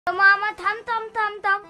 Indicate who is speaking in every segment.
Speaker 1: मामा थांब थांब थांब थांब.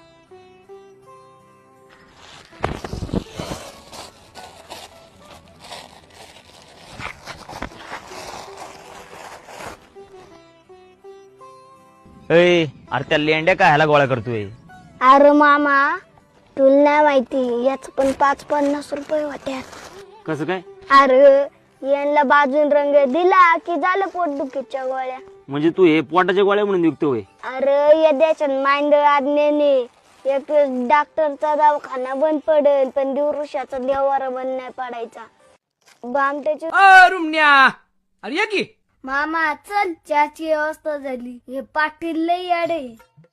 Speaker 2: अरे त्या लेंड्या काय ह्याला गोळा करतोय?
Speaker 1: अरे मामा तुला नाही माहिती याच पण 50-50 रुपये होत्या.
Speaker 2: कसं काय?
Speaker 1: अरे यांना बाजून रंग दिला की झालं पोटदुखीच्या गोळ्या.
Speaker 2: म्हणजे तू हे पोटाच्या गोळ्या म्हणून विकतोय?
Speaker 1: अरे या देशात मांड आज्ञेने एक डॉक्टरचा दवाखाना बंद पडेल पण दिवृषाचा देवारा बंद नाही पडायचा. बामट्याची
Speaker 3: रुमण्या, अरे या की.
Speaker 1: मामा चल चहाची व्यवस्था झाली. हे पाटील लय याडे.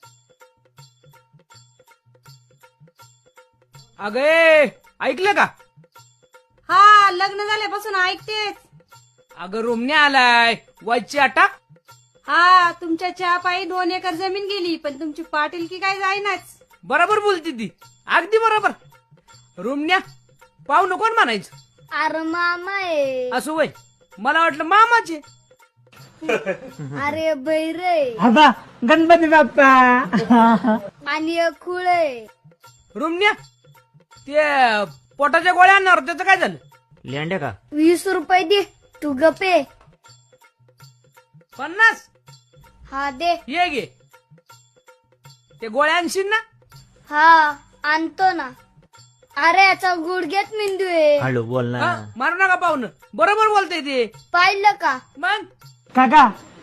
Speaker 3: अगे ऐकलं का?
Speaker 4: हा लग्न झाल्यापासून ऐकतेच.
Speaker 3: अगं रुमण्या आलाय वाईची आटा.
Speaker 4: हा तुमच्या चहा पायी 2 एकर जमीन गेली पण तुमची पाटीलकी काय जाईनाच.
Speaker 3: बरोबर बोलती ती, अगदी बरोबर. रुमण्या पाहू नको म्हणायचं.
Speaker 1: अरे मामा आहे.
Speaker 3: असं वय मला वाटलं मामाचे.
Speaker 1: अरे बैरे
Speaker 5: गणपती बाप्पा.
Speaker 1: आणि एक खुळ आहे.
Speaker 3: रुमण्या ते पोटाच्या गोळ्या आणणार त्याचं काय झालं?
Speaker 2: लेंड्या का?
Speaker 1: 20 रुपये दे तू गपे.
Speaker 3: 50?
Speaker 1: हा दे.
Speaker 3: ये गे ते गोळ्या आणशील ना?
Speaker 1: हा आणतो ना. अरे याचा गुडघ्यात मेंदू आहे.
Speaker 2: हळू बोल ना.
Speaker 3: मारू नका पाहुणं, बरोबर बोलतय ते.
Speaker 1: पाहिलं का?
Speaker 3: मग
Speaker 5: काका